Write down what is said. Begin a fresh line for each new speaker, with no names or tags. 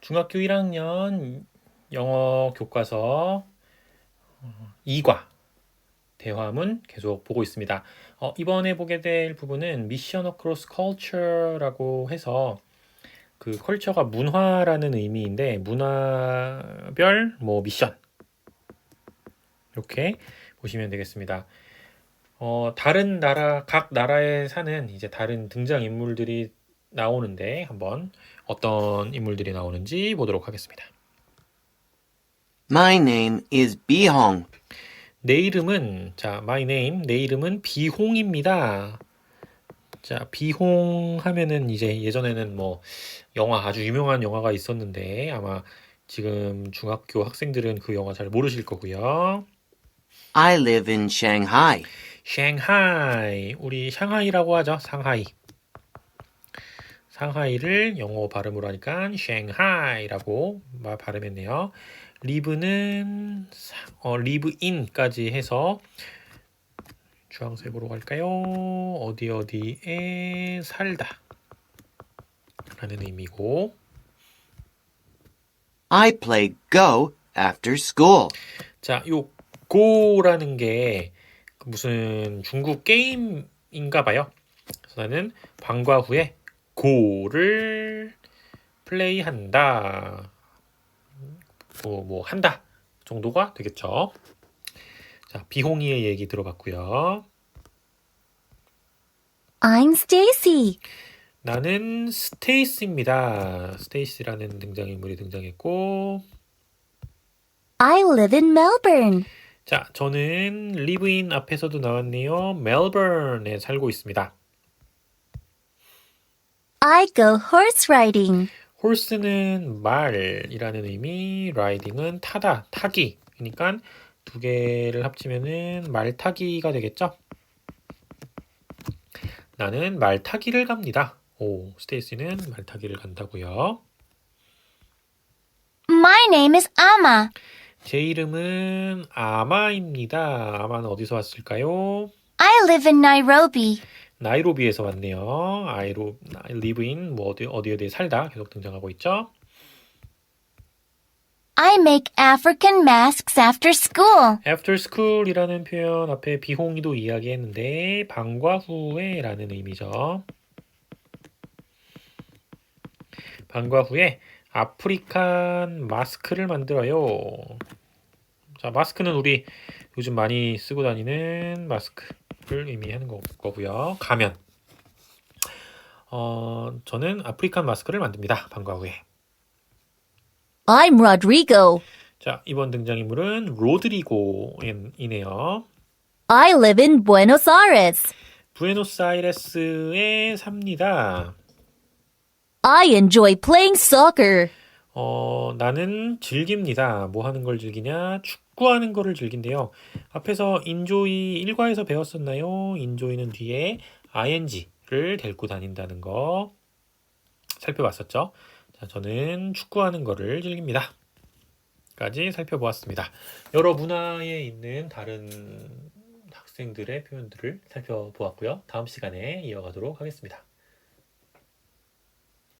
중학교 1학년 영어 교과서 2과 대화문 계속 보고 있습니다. 이번에 보게 될 부분은 미션 어크로스 컬처라고 해서 그 컬처가 문화라는 의미인데 문화별 미션 이렇게 보시면 되겠습니다. 다른 나라 각 나라에 사는 이제 다른 등장 인물들이 나오는데 한번 어떤 인물들이 나오는지 보도록 하겠습니다.
My name is Bihong.
내 이름은 my name 내 이름은 비홍입니다. 자, 비홍 하면은 이제 예전에는 영화 아주 유명한 영화가 있었는데 아마 지금 중학교 학생들은 그 영화 잘 모르실 거고요.
I live in Shanghai.
샹하이 우리 샹하이라고 하죠. 상하이. 상하이를 영어 발음으로 하니까 샹하이라고 발음했네요. live는 live in까지 해서 주황색으로 갈까요? 어디에 살다 라는 의미고
I play Go after school.
자, 요 go라는 게 무슨 중국 게임인가 봐요. 그래서 나는 방과 후에 go를 플레이한다. 한다 정도가 되겠죠. 자, 비홍이의 얘기 들어봤고요.
I'm Stacy.
나는 스테이스입니다. 스테이스라는 등장인물이 등장했고
I live in Melbourne.
자, 저는 live in 앞에서도 나왔네요. 멜버른에 살고 있습니다.
I go horse riding.
horse는 말이라는 의미, riding은 타다, 타기. 그러니까 두 개를 합치면은 말 타기가 되겠죠? 나는 말 타기를 갑니다. 스테이시는 말 타기를 간다고요.
My name is Amma.
제 이름은 아마입니다. 아마는 어디서 왔을까요?
I live in Nairobi.
나이로비에서 왔네요. live in 어디에 살다 계속 등장하고 있죠.
I make African masks after school.
after school이라는 표현 앞에 비홍이도 이야기했는데 방과 후에라는 의미죠. 방과 후에 아프리칸 마스크를 만들어요. 자, 마스크는 우리 요즘 많이 쓰고 다니는 마스크를 의미하는 거고요. 가면. 저는 아프리칸 마스크를 만듭니다. 방과 후에.
I'm Rodrigo.
자, 이번 등장인물은 로드리고이네요.
I live in Buenos Aires.
부에노스아이레스에 삽니다.
I enjoy playing soccer.
나는 즐깁니다. 뭐 하는 걸 즐기냐? 축구하는 거를 즐긴대요. 앞에서 enjoy 1과에서 배웠었나요? enjoy는 뒤에 ing를 데리고 다닌다는 거 살펴봤었죠. 자, 저는 축구하는 거를 즐깁니다. 까지 살펴보았습니다. 여러 문화에 있는 다른 학생들의 표현들을 살펴보았고요. 다음 시간에 이어가도록 하겠습니다.